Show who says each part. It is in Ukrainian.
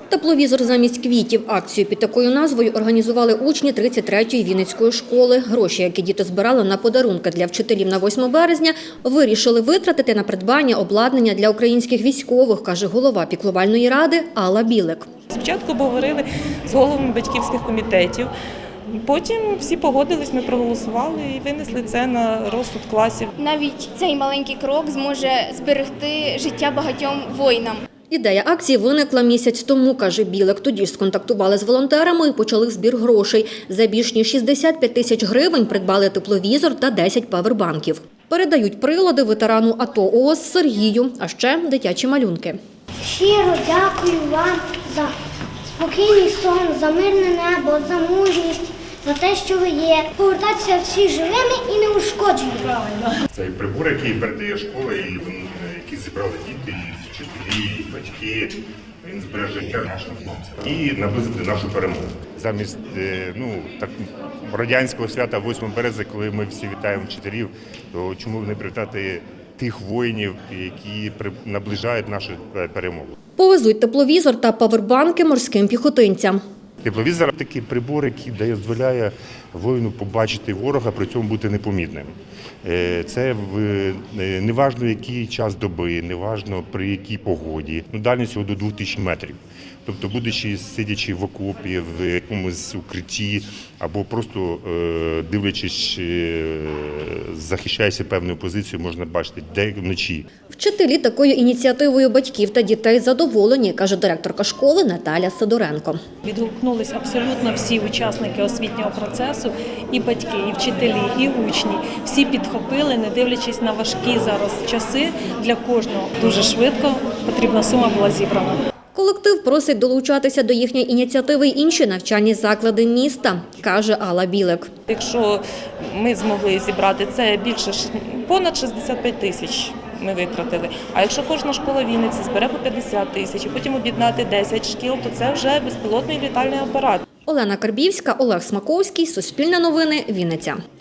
Speaker 1: Тепловізор замість квітів. Акцію під такою назвою організували учні 33-ї Вінницької школи. Гроші, які діти збирали на подарунки для вчителів на 8 березня, вирішили витратити на придбання обладнання для українських військових, каже голова піклувальної ради Алла Білик.
Speaker 2: Спочатку говорили з головами батьківських комітетів, потім всі погодились, ми проголосували і винесли це на розсуд класів.
Speaker 3: Навіть цей маленький крок зможе зберегти життя багатьом воїнам.
Speaker 1: Ідея акції виникла місяць тому, каже Білик. Тоді ж сконтактували з волонтерами і почали збір грошей. За більш ніж 65 тисяч гривень придбали тепловізор та 10 павербанків. Передають прилади ветерану АТО ООС Сергію, а ще дитячі малюнки.
Speaker 4: Щиро дякую вам за спокійний сон, за мирне небо, за мужність, за те, що ви є. Повертатися всі живими і неушкодженими.
Speaker 5: Це прибор, який передає школа, які зібрали діти, і вчителі, і батьки. Він збереже життя нашим хлопцям і наблизити нашу перемогу. Замість радянського свята 8 березня, коли ми всі вітаємо вчителів, то чому не привітати тих воїнів, які наближають нашу перемогу?
Speaker 1: Повезуть тепловізор та павербанки морським піхотинцям.
Speaker 5: Тепловізор – такий прибор, який дозволяє воїну побачити ворога, при цьому бути непомітним. Це неважно, який час доби, неважно при якій погоді. Дальність його до 2000 метрів. Тобто, будучи сидячи в окопі, в якомусь укритті, або просто дивлячись, захищаючи певну позицію, можна бачити, де вночі.
Speaker 1: Вчителі такою ініціативою батьків та дітей задоволені, каже директорка школи Наталя Сидоренко.
Speaker 6: Відгукнулись абсолютно всі учасники освітнього процесу, і батьки, і вчителі, і учні. Всі підхопили, не дивлячись на важкі зараз часи, для кожного дуже швидко потрібна сума була зібрана.
Speaker 1: Колектив просить долучатися до їхньої ініціативи й інші навчальні заклади міста, каже Алла Білик.
Speaker 2: Якщо ми змогли зібрати це понад 65 тисяч ми витратили. А якщо кожна школа Вінниці збере по 50 тисяч і потім об'єднати 10 шкіл, то це вже безпілотний літальний апарат.
Speaker 1: Олена Карбівська, Олег Смаковський, Суспільне новини, Вінниця.